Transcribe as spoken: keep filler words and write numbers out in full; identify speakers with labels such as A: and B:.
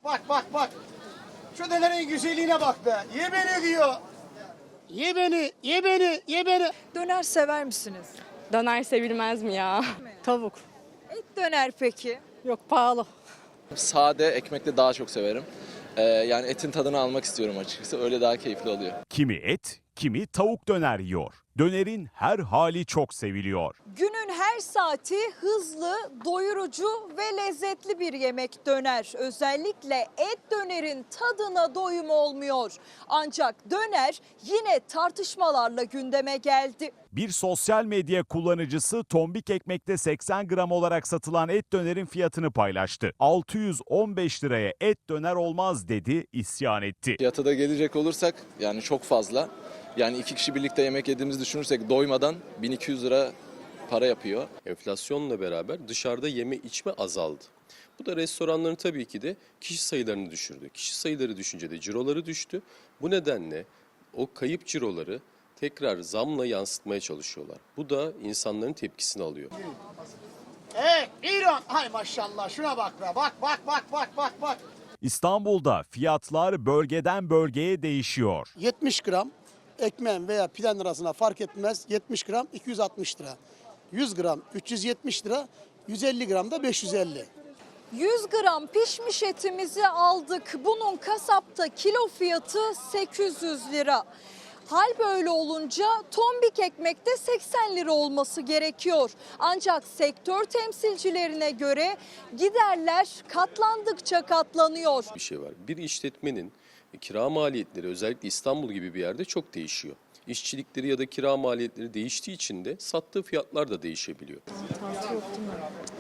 A: bak bak bak. Şu dönerin güzelliğine bak be. Ye beni diyor. Ye beni, ye beni, ye beni.
B: Döner sever misiniz?
C: Döner sevilmez mi ya?
D: Tavuk.
B: Et döner peki?
D: Yok, pahalı.
E: Sade ekmekle daha çok severim. Ee, yani etin tadını almak istiyorum açıkçası. Öyle daha keyifli oluyor.
F: Kimi et, kimi tavuk döner yiyor. Dönerin her hali çok seviliyor.
B: Günün her saati hızlı, doyurucu ve lezzetli bir yemek döner. Özellikle et dönerin tadına doyum olmuyor. Ancak döner yine tartışmalarla gündeme geldi.
F: Bir sosyal medya kullanıcısı tombik ekmekte seksen gram olarak satılan et dönerin fiyatını paylaştı. altı yüz on beş liraya et döner olmaz dedi, isyan etti.
E: Fiyata da gelecek olursak yani çok fazla. Yani iki kişi birlikte yemek yediğimizi düşünürsek doymadan bin iki yüz lira para yapıyor.
G: Enflasyonla beraber dışarıda yeme içme azaldı. Bu da restoranların tabii ki de kişi sayılarını düşürdü. Kişi sayıları düşünce de ciroları düştü. Bu nedenle o kayıp ciroları tekrar zamla yansıtmaya çalışıyorlar. Bu da insanların tepkisini alıyor.
A: Evet, İran. Hay maşallah şuna bak be. Bak bak bak bak bak bak.
F: İstanbul'da fiyatlar bölgeden bölgeye değişiyor.
H: yetmiş gram ekmeğin veya piden arasına fark etmez. yetmiş gram iki yüz altmış lira. yüz gram üç yüz yetmiş lira. yüz elli gram da beş yüz elli.
B: yüz gram pişmiş etimizi aldık. Bunun kasapta kilo fiyatı sekiz yüz lira. Hal böyle olunca tombik ekmekte seksen lira olması gerekiyor. Ancak sektör temsilcilerine göre giderler katlandıkça katlanıyor.
G: Bir şey var. Bir işletmenin kira maliyetleri özellikle İstanbul gibi bir yerde çok değişiyor. İşçilikleri ya da kira maliyetleri değiştiği için de sattığı fiyatlar da değişebiliyor.